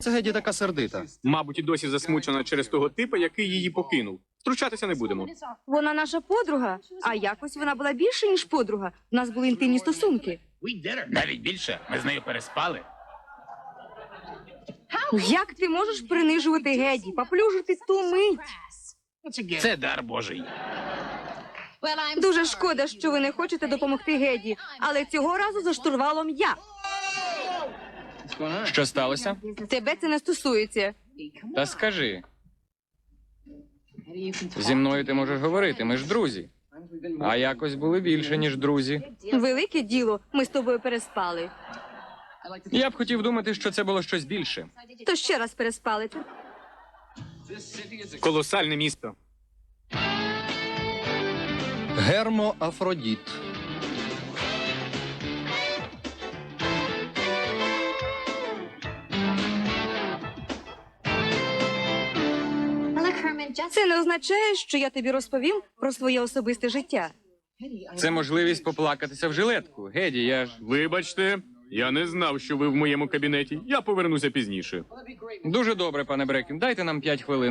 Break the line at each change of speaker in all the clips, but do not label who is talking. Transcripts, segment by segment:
Це Геді така сердита.
Мабуть, і досі засмучена через того типа, який її покинув. Втручатися не будемо.
Вона наша подруга, а якось вона була більше, ніж подруга. У нас були інтимні стосунки.
Навіть більше. Ми з нею переспали.
Як ти можеш принижувати Геді, поплюжити ту мить?
Це дар Божий.
Дуже шкода, що ви не хочете допомогти Геді, але цього разу за штурвалом я.
Що сталося?
Тебе це не стосується.
Та скажи. Зі мною ти можеш говорити, ми ж друзі. А якось були більше, ніж друзі.
Велике діло, ми з тобою переспали.
Я б хотів думати, що це було щось більше.
То ще раз переспали.
Колосальне місто.
Гермоафродіт.
Це не означає, що я тобі розповім про своє особисте життя.
Це можливість поплакатися в жилетку. Геді, я ж...
Вибачте, я не знав, що ви в моєму кабінеті. Я повернуся пізніше.
Дуже добре, пане Брекін. Дайте нам 5 хвилин.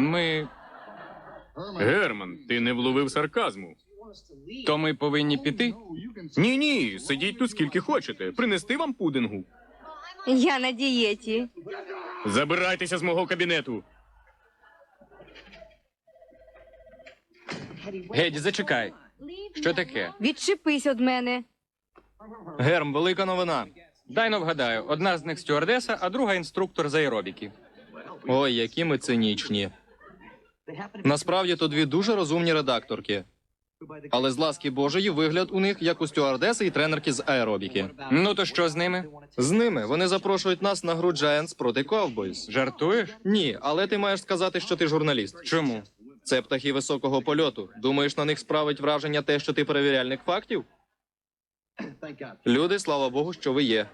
Герман, ти не вловив сарказму.
То ми повинні піти?
Ні, сидіть тут скільки хочете. Принести вам пудингу.
Я на дієті.
Забирайтеся з мого кабінету.
Геді, зачекай. Що таке?
Відчепись від мене.
Герм, велика новина.
Дай но вгадаю. Одна з них стюардеса, а друга інструктор з аеробіки.
Ой, які ми цинічні. Насправді, то дві дуже розумні редакторки. Але з ласки Божої вигляд у них, як у стюардеси і тренерки з аеробіки.
Ну то що з ними?
З ними вони запрошують нас на гру Giants проти Cowboys.
Жартуєш?
Ні, але ти маєш сказати, що ти журналіст.
Чому?
Це птахи високого польоту. Думаєш, на них справить враження те, що ти перевіряльник фактів? Люди, слава Богу, що ви є.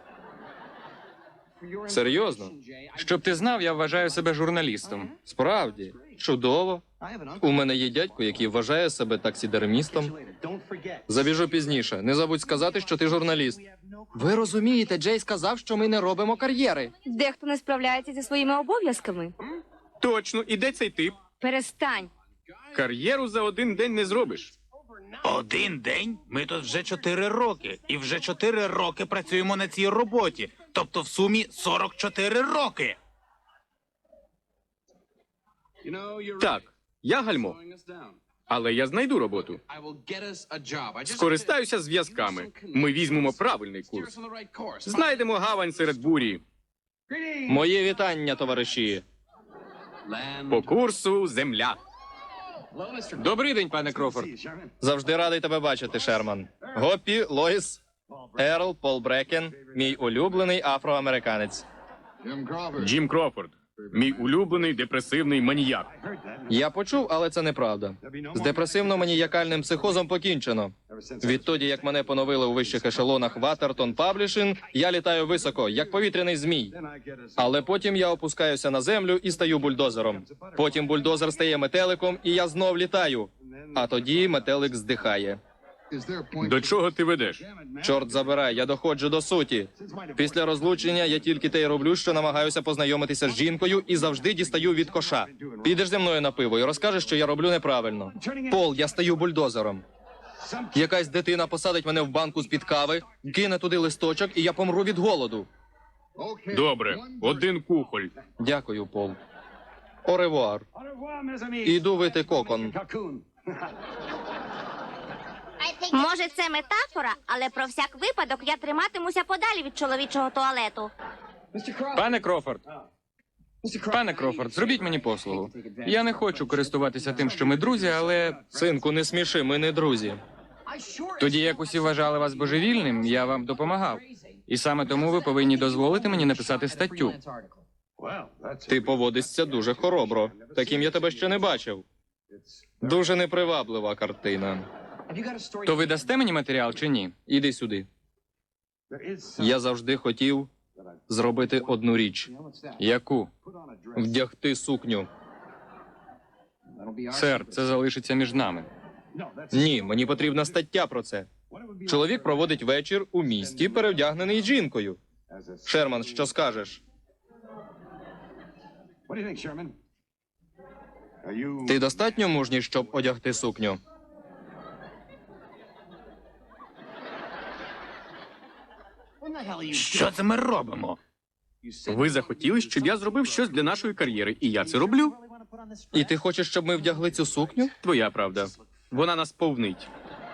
Серйозно?
Щоб ти знав, я вважаю себе журналістом.
Справді. Чудово. У мене є дядько, який вважає себе таксідермістом. Забіжу пізніше. Не забудь сказати, що ти журналіст. Ви розумієте, Джей сказав, що ми не робимо кар'єри.
Дехто не справляється зі своїми обов'язками.
Точно, і де цей тип?
Перестань.
Кар'єру за один день не зробиш.
Один день? Ми тут вже 4 роки. І вже 4 роки працюємо на цій роботі. Тобто в сумі 44 роки.
Так, я гальмо. Але я знайду роботу. Скористаюся зв'язками. Ми візьмемо правильний курс. Знайдемо гавань серед бурі.
Моє вітання, товариші.
По курсу земля.
Добрий день, пане Крофорд.
Завжди радий тебе бачити, Шерман. Гоппі, Лоїс, Ерл, Пол Брекен, мій улюблений афроамериканець.
Джим Крофорд. Мій улюблений депресивний маніяк.
Я почув, але це неправда. З депресивно-маніякальним психозом покінчено. Відтоді, як мене поновили у вищих ешелонах Waterton Publishing, я літаю високо, як повітряний змій. Але потім я опускаюся на землю і стаю бульдозером. Потім бульдозер стає метеликом, і я знов літаю. А тоді метелик здихає.
До чого ти ведеш?
Чорт забирай, я доходжу до суті. Після розлучення я тільки те й роблю, що намагаюся познайомитися з жінкою і завжди дістаю від коша. Підеш зі мною на пиво і розкажеш, що я роблю неправильно. Пол, я стаю бульдозером. Якась дитина посадить мене в банку з-під кави, кине туди листочок, і я помру від голоду.
Добре, один кухоль.
Дякую, Пол. Оревуар. Іду вити кокон.
Може, це метафора, але про всяк випадок я триматимуся подалі від чоловічого туалету.
Пане Крофорд. Пане Крофорд, зробіть мені послугу. Я не хочу користуватися тим, що ми друзі, але
Синку, не сміши, ми не друзі.
тоді, як усі вважали вас божевільним, я вам допомагав. І саме тому ви повинні дозволити мені написати статтю.
Ти поводишся дуже хоробро. Таким я тебе ще не бачив. Дуже неприваблива картина.
То ви дасте мені матеріал чи ні?
Іди сюди. Я завжди хотів зробити одну річ.
Яку?
Вдягти сукню.
Сер, це залишиться між нами.
Ні, мені потрібна стаття про це. Чоловік проводить вечір у місті, перевдягнений жінкою. Шерман, що скажеш? Ти достатньо мужній, щоб одягти сукню?
Що це ми робимо?
Ви захотіли, щоб я зробив щось для нашої кар'єри, і я це роблю.
І ти хочеш, щоб ми вдягли цю сукню?
Твоя правда. Вона нас повнить.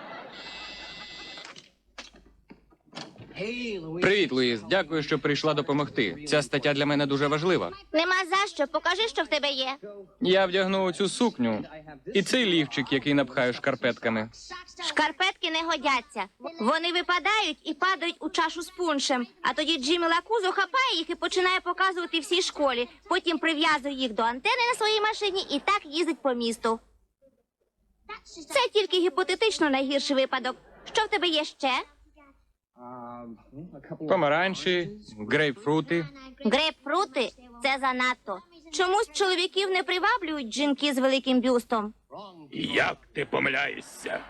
Привіт, Луїс. Дякую, що прийшла допомогти. Ця стаття для мене дуже важлива.
Нема за що. Покажи, що в тебе є.
Я вдягну цю сукню і цей лівчик, який напхаю шкарпетками.
Шкарпетки не годяться. Вони випадають і падають у чашу з пуншем. А тоді Джиммі Лакузо хапає їх і починає показувати всій школі. Потім прив'язує їх до антени на своїй машині і так їздить по місту. Це тільки гіпотетично найгірший випадок. Що в тебе є ще?
Помаранчі, грейпфрути.
Грейпфрути – це занадто. Чомусь чоловіків не приваблюють жінки з великим бюстом.
Як ти помиляєшся?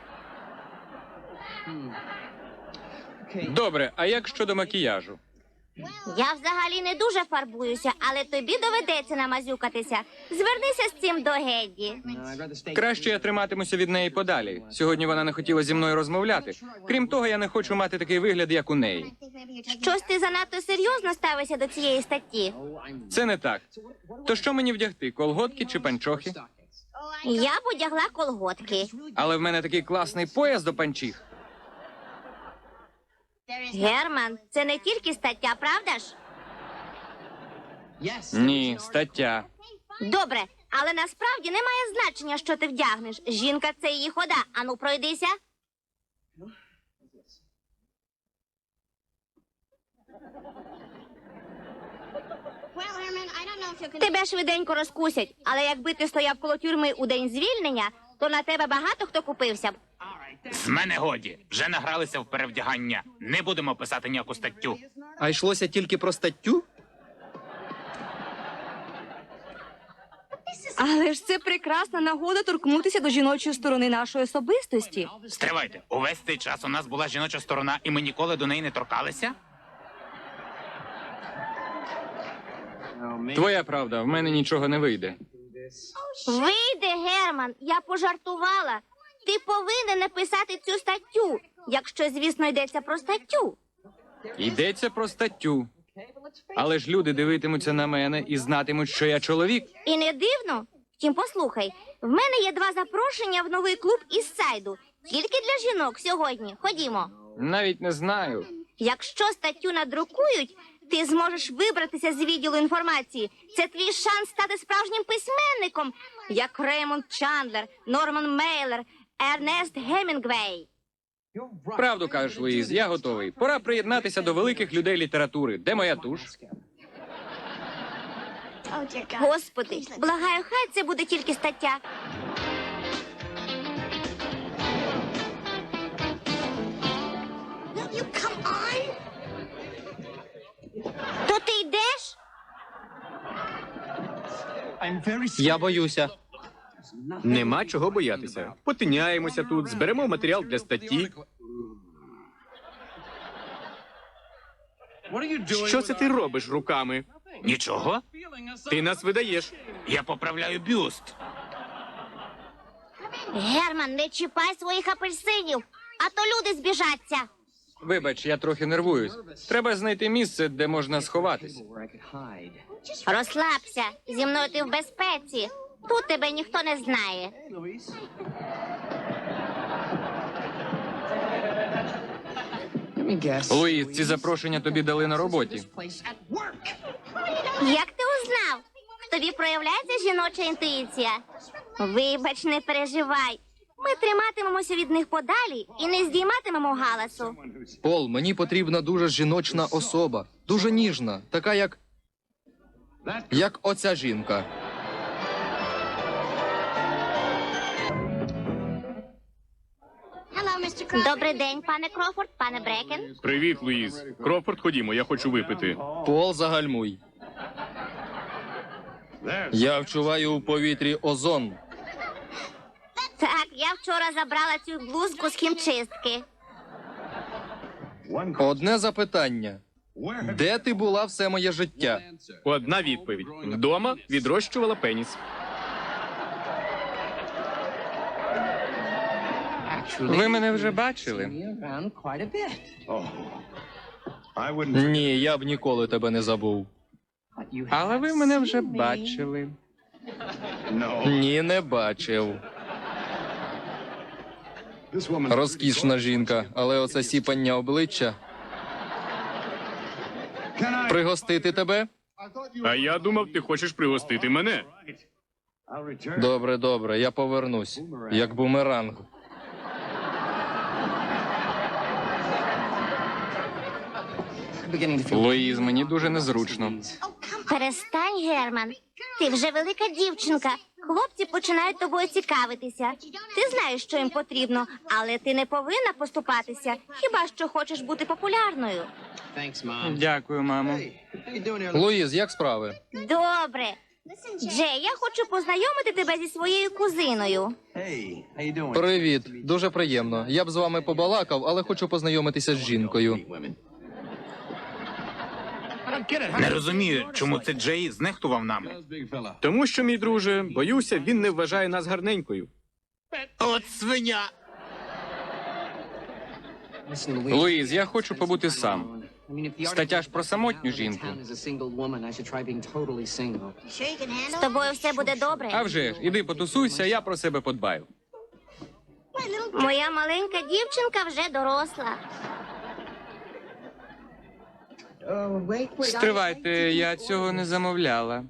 Добре, а як щодо макіяжу?
Я взагалі не дуже фарбуюся, але тобі доведеться намазюкатися. Звернися з цим до Гедді.
Краще я триматимуся від неї подалі. Сьогодні вона не хотіла зі мною розмовляти. Крім того, я не хочу мати такий вигляд, як у неї.
Щось ти занадто серйозно ставишся до цієї статті.
Це не так. То що мені вдягти, колготки чи панчохи?
Я б одягла колготки.
Але в мене такий класний пояс до панчіх.
Герман, це не тільки стаття, правда ж?
Ні, стаття.
Добре, але насправді немає значення, що ти вдягнеш. Жінка – це її хода. Ану, пройдися. Тебе швиденько розкусять, але якби ти стояв коло тюрми у день звільнення, то на тебе багато хто купився б.
З мене годі. Вже награлися в перевдягання. Не будемо писати ніяку статтю.
А йшлося тільки про статтю?
Але ж це прекрасна нагода торкнутися до жіночої сторони нашої особистості.
Стривайте, увесь цей час у нас була жіноча сторона, і ми ніколи до неї не торкалися?
Твоя правда, в мене нічого не вийде.
Вийде, Герман, я пожартувала. Ти повинен написати цю статтю, якщо, звісно, йдеться про статтю.
Йдеться про статтю. Але ж люди дивитимуться на мене і знатимуть, що я чоловік.
І не дивно? Втім, послухай, в мене є 2 запрошення в новий клуб із сайду. Тільки для жінок сьогодні. Ходімо.
Навіть не знаю.
Якщо статтю надрукують, ти зможеш вибратися з відділу інформації. Це твій шанс стати справжнім письменником, як Реймонд Чандлер, Норман Мейлер, Ернест Гемінгвей.
Правду кажеш, Луїз, я готовий. Пора приєднатися до великих людей літератури. Де моя туш?
Господи, благаю, хай це буде тільки стаття. То ти йдеш?
Я боюся.
Нема чого боятися. Потиняємося тут, зберемо матеріал для статті. Що це ти робиш руками?
Нічого?
Ти нас видаєш.
Я поправляю бюст.
Герман, не чіпай своїх апельсинів, а то люди збіжаться.
Вибач, я трохи нервуюсь. Треба знайти місце, де можна сховатись.
Розслабся, зі мною ти в безпеці. Тут тебе ніхто не знає.
Луїз, ці запрошення тобі дали на роботі.
Як ти узнав? В тобі проявляється жіноча інтуїція? Вибач, не переживай. Ми триматимемося від них подалі і не здійматимемо галасу.
Пол, мені потрібна дуже жіночна особа. Дуже ніжна. Така, як оця жінка.
Добрий день, пане Крофорд, пане Брекен.
Привіт, Луїз. Крофорд, ходімо, я хочу випити.
Пол, загальмуй. Я вчуваю у повітрі озон.
Так, я вчора забрала цю блузку з хімчистки.
Одне запитання. Де ти була все моє життя?
Одна відповідь. Вдома відрощувала пеніс.
Ви мене вже бачили.
Ні, я б ніколи тебе не забув.
Але ви мене вже бачили.
Ні, не бачив. Розкішна жінка, але оце сіпання обличчя. Пригостити тебе?
А я думав, ти хочеш пригостити мене.
Добре, добре, я повернусь. Як бумеранг.
Луїз, мені дуже незручно.
Перестань, Герман. Ти вже велика дівчинка. Хлопці починають тобою цікавитися. Ти знаєш, що їм потрібно, але ти не повинна поступатися. Хіба що хочеш бути популярною.
Дякую, мамо.
Луїз, як справи?
Добре. Джей, я хочу познайомити тебе зі своєю кузиною.
Привіт, дуже приємно. Я б з вами побалакав, але хочу познайомитися з жінкою.
Не розумію, чому це Джей знехтував нами.
Тому що, мій друже, боюся, він не вважає нас гарненькою.
От свиня!
Луїз, я хочу побути сам. Стаття ж про самотню жінку.
З тобою все буде добре.
А вже ж, іди потусуйся, я про себе подбаю.
Моя маленька дівчинка вже доросла.
Стривайте, я цього не замовляла.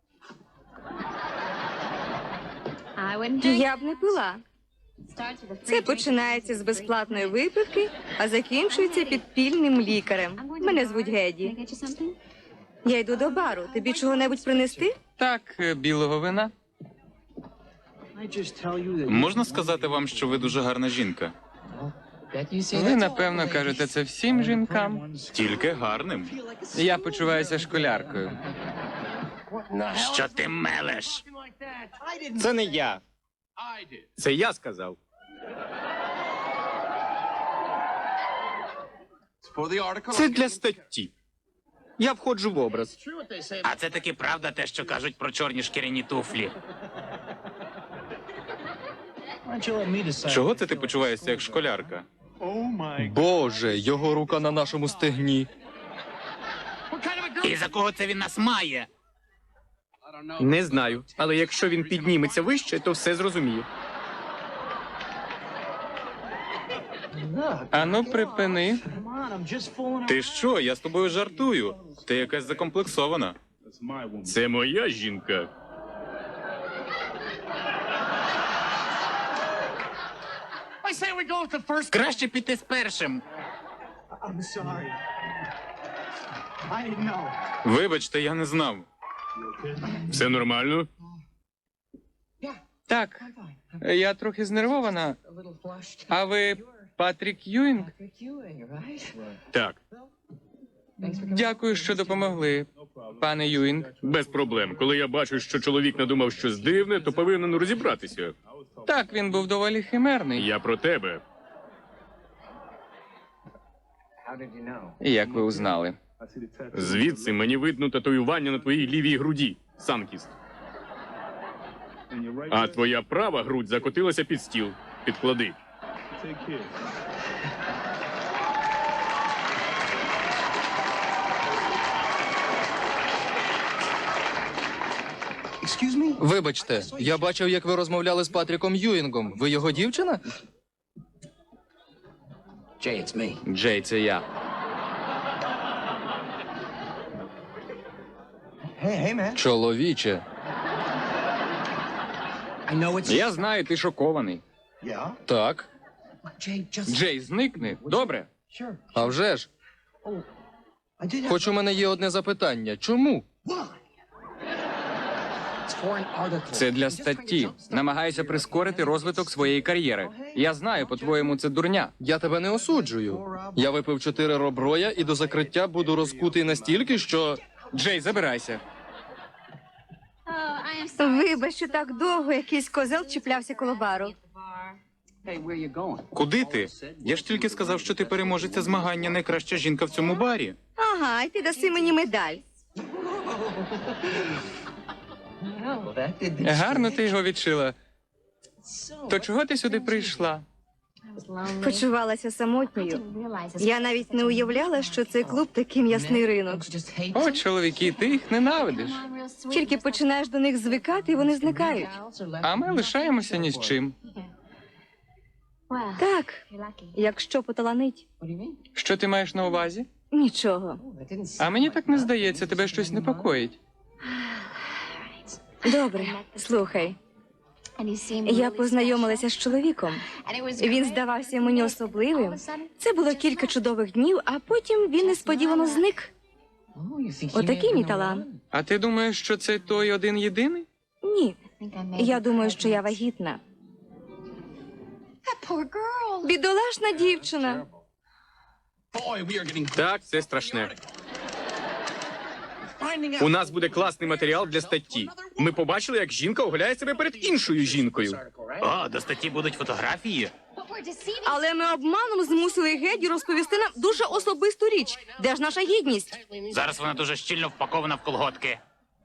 Я б не пила. Це починається з безплатної випивки, а закінчується підпільним лікарем. Мене звуть Геді. Я йду до бару. Тобі чого-небудь принести?
Так, білого вина.
Можна сказати вам, що ви дуже гарна жінка?
Ви, напевно, кажете це всім жінкам.
Тільки гарним.
Я почуваюся школяркою.
Що ти мелеш?
Це не я.
Це я сказав. Це для статті. Я входжу в образ.
А це таки правда те, що кажуть про чорні шкіряні туфлі. Чого це ти почуваєшся як школярка?
Боже, його рука на нашому стегні.
І за кого це він нас має?
Не знаю, але якщо він підніметься вище, то все зрозумію.
Ану, припини.
Ти що? Я з тобою жартую. Ти якась закомплексована.
Це моя жінка.
Краще піти з першим. Вибачте, я не знав.
Все нормально?
Так, я трохи знервована. А ви Патрік Юінг?
Так,
Дякую, що допомогли, пане Юінг.
без проблем. Коли я бачу, що чоловік надумав щось дивне, то повинен розібратися.
Так, він був доволі химерний.
Я про тебе.
Як ви узнали?
Звідси мені видно татуювання на твоїй лівій груді, Санкіст. А твоя права грудь закотилася під стіл. Підклади.
Вибачте, я бачив, як ви розмовляли з Патріком Юінгом. Ви його дівчина?
Джей, це я.
Чоловіче.
Я знаю, ти шокований.
Так.
Джей, зникни. Добре?
А вже ж. Хоч у мене є одне запитання. Чому?
Це для статті. Намагаюся прискорити розвиток своєї кар'єри. Я знаю, по-твоєму, це дурня.
Я тебе не осуджую. Я випив 4 роброя і до закриття буду розкутий настільки, що...
Джей, забирайся.
Вибач, що так довго якийсь козел чіплявся коло бару.
Куди ти? Я ж тільки сказав, що ти переможеця змагання найкраща жінка в цьому барі.
Ага, і ти даси мені медаль.
Гарно ти його відшила. То чого ти сюди прийшла?
Почувалася самотньою. Я навіть не уявляла, що цей клуб такий м'ясний ринок.
О, чоловіки, ти їх ненавидиш.
Тільки починаєш до них звикати, і вони зникають.
А ми лишаємося ні з чим.
Так, якщо поталанить.
Що ти маєш на увазі?
Нічого.
А мені так не здається, тебе щось непокоїть.
Добре, слухай. Я познайомилася з чоловіком. Він здавався мені особливим. Це було кілька чудових днів, а потім він несподівано зник. Отакий мій талант.
А ти думаєш, що це той один єдиний?
Ні, я думаю, що я вагітна. Бідолашна дівчина.
Так, це страшне. У нас буде класний матеріал для статті. Ми побачили, як жінка оголяє себе перед іншою жінкою.
О, до статті будуть фотографії.
Але ми обманом змусили Геді розповісти нам дуже особисту річ. Де ж наша гідність?
Зараз вона дуже щільно впакована в колготки.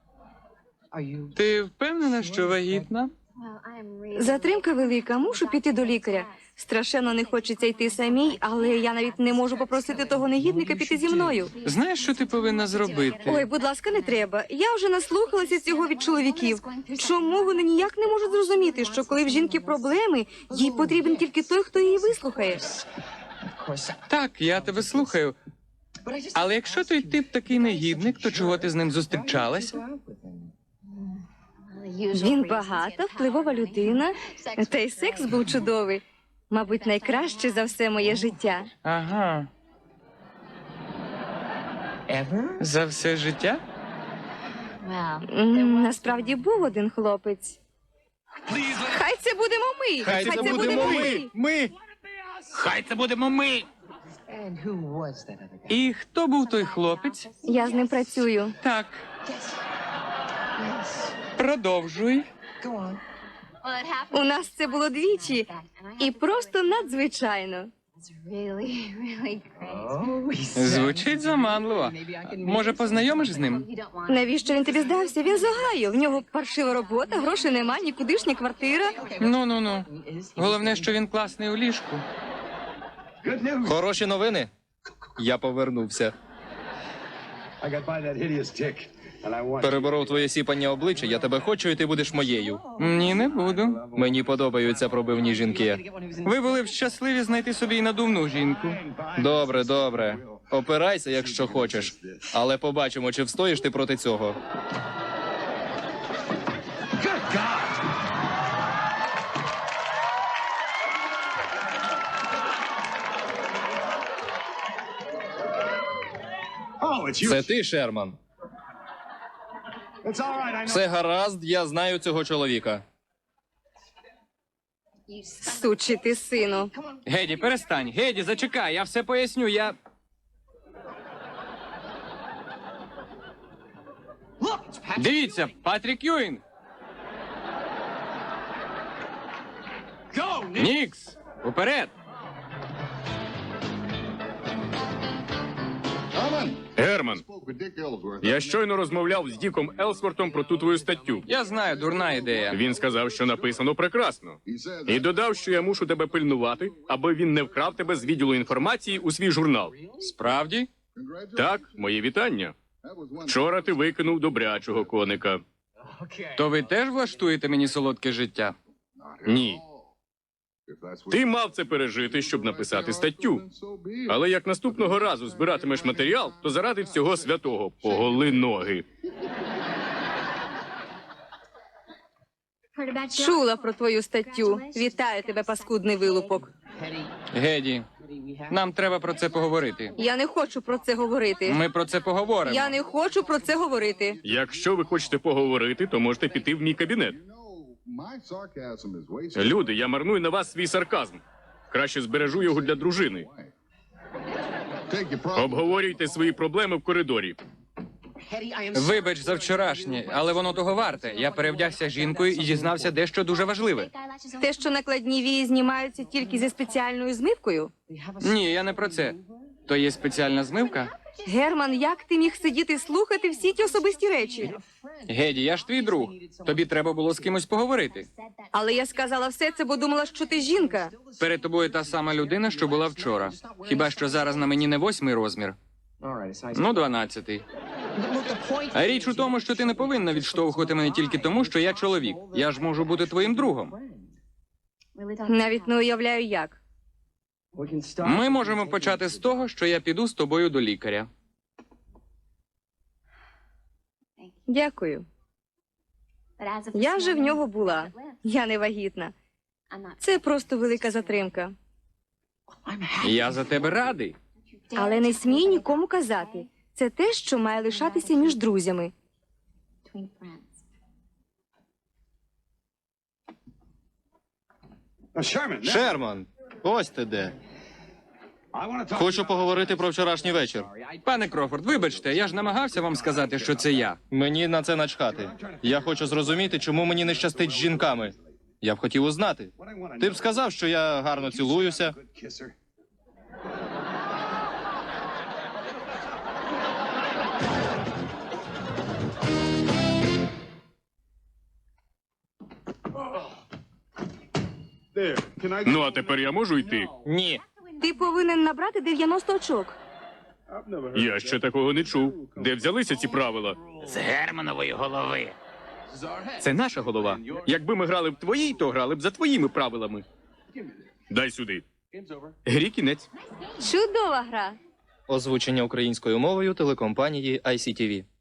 Ти впевнена, що вагітна?
Затримка велика, мушу піти до лікаря. Страшенно не хочеться йти самій, але я навіть не можу попросити того негідника піти зі мною.
Знаєш, що ти повинна зробити?
Ой, будь ласка, не треба. Я вже наслухалася цього від чоловіків. Чому вони ніяк не можуть зрозуміти, що коли в жінки проблеми, їй потрібен тільки той, хто її вислухає?
Так, я тебе слухаю. Але якщо той тип такий негідник, то чого ти з ним зустрічалася?
Він багата, впливова людина, та й секс був чудовий. Мабуть, найкраще за все моє життя.
Ага. За все життя?
Насправді був один хлопець. Хай це будемо ми!
Хай це будемо ми!
Ми!
Хай це будемо ми!
І хто був той хлопець?
Я з ним працюю.
Так. Продовжуй.
У нас це було двічі. І просто надзвичайно.
Звучить заманливо. Може, познайомиш з ним?
Навіщо він тобі здався? Він з Огайо. В нього паршива робота, грошей нема, нікудишня квартира.
Ну. Головне, що він класний у ліжку.
Хороші новини. Я повернувся. Переборов твоє сіпання обличчя, я тебе хочу, і ти будеш моєю.
Ні, не буду.
Мені подобаються пробивні жінки.
Ви були б щасливі знайти собі і надувну жінку.
Добре, добре. Опирайся, якщо хочеш. Але побачимо, чи встоїш ти проти цього. Це ти, Шерман. Все гаразд, я знаю цього чоловіка.
Сучий ти сину.
Геді, перестань. Геді, зачекай, я все поясню, я... Дивіться, Патрік Юінг. Нікс, уперед.
Герман, я щойно розмовляв з Діком Елсвортом про ту твою статтю.
Я знаю, дурна ідея.
Він сказав, що написано прекрасно. І додав, що я мушу тебе пильнувати, аби він не вкрав тебе з відділу інформації у свій журнал.
Справді?
Так, мої вітання. Вчора ти викинув добрячого коника.
То ви теж влаштуєте мені солодке життя?
Ні. Ти мав це пережити, щоб написати статтю. Але як наступного разу збиратимеш матеріал, то заради всього святого поголи ноги.
Чула про твою статтю. Вітаю тебе, паскудний вилупок.
Геді, нам треба про це поговорити.
Я не хочу про це говорити.
Ми про це поговоримо.
Я не хочу про це говорити.
Якщо ви хочете поговорити, то можете піти в мій кабінет. Люди, я марную на вас свій сарказм. Краще збережу його для дружини. Обговорюйте свої проблеми в коридорі.
Вибач за вчорашнє, але воно того варте. Я перевдягся жінкою і дізнався дещо дуже важливе.
Те, що накладні вії знімаються тільки зі спеціальною змивкою.
Ні, я не про це. То є спеціальна змивка?
Герман, як ти міг сидіти і слухати всі ті особисті речі?
Геді, я ж твій друг. Тобі треба було з кимось поговорити.
Але я сказала все це, бо думала, що ти жінка.
Перед тобою та сама людина, що була вчора. Хіба що зараз на мені не 8-й розмір? Ну, 12-й. А річ у тому, що ти не повинна відштовхувати мене тільки тому, що я чоловік. Я ж можу бути твоїм другом.
Навіть не уявляю, як.
Ми можемо почати з того, що я піду з тобою до лікаря.
Дякую. Я вже в нього була. Я не вагітна. Це просто велика затримка.
Я за тебе радий.
Але не смій нікому казати. Це те, що має лишатися між друзями.
Шерман, ось ти де. Хочу поговорити про вчорашній вечір.
Пане Крофорд, вибачте, я ж намагався вам сказати, що це я.
Мені на це начхати. Я хочу зрозуміти, чому мені не щастить з жінками. Я б хотів узнати. Ти б сказав, що я гарно цілуюся.
Ну, а тепер я можу йти?
Ні.
Ти повинен набрати 90 очок.
Я ще такого не чув. Де взялися ці правила?
З Германової голови.
Це наша голова. Якби ми грали в твоїй, то грали б за твоїми правилами. Дай сюди. Грі кінець.
Чудова гра.
Озвучення українською мовою телекомпанії ICTV.